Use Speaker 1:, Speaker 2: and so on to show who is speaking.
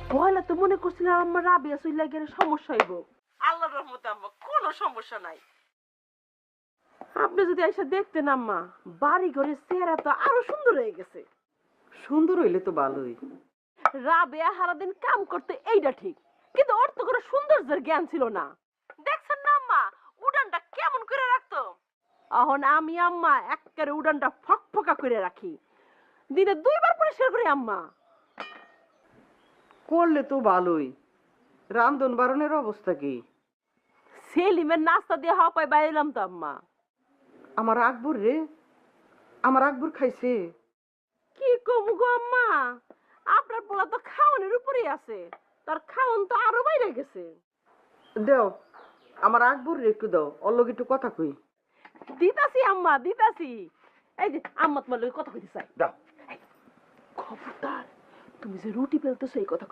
Speaker 1: পয়লা তো মনে করছিলাম আমার রাবিয়া চইলা গেলে সমস্যা হইব। আল্লাহর রহমতে আম্মা কোনো সমস্যা নাই। আপনি যদি এসে দেখতেন আম্মা, বাড়ি ঘরের চেহারা তো আরো সুন্দর হয়ে গেছে।
Speaker 2: সুন্দর হইলে তো ভালোই।
Speaker 1: রাবেয়া সারাদিন কাম করতে এইটা ঠিক, কিন্তু ওর তো কোনো সৌন্দর্যের জ্ঞান ছিল না। দেখছেন না আম্মা উড়ানটা কেমন করে রাখতো। এখন আমি আম্মা একেবারে উড়ানটা ফকফকা করে রাখি, দিনে 2 বার পরিষ্কার করি আম্মা।
Speaker 2: করলে তো ভালোই। রান্ধন বারণের অবস্থা কি?
Speaker 1: সেলিমের নাস্তা দিয়ে হাওয়া পাই বাইলাম তো আম্মা।
Speaker 2: আমার আকবর রে, আমার আকবর খাইছে।
Speaker 1: কি কমু গো আম্মা, আপনার পোলা তো খাওয়ানোর উপরেই আছে, তার খাওন তো আরো বাইরে গেছে।
Speaker 2: দেও, আমার আকবর রে একটু দাও, ওর লগে একটু কথা কই।
Speaker 1: দিতাছি আম্মা দিতাছি। এই যে আম্মা তোমার লগে কথা কইতে চাই।
Speaker 2: দাও।
Speaker 1: খবরদার, তুমি যে রুটি বেলতেছো এই কথা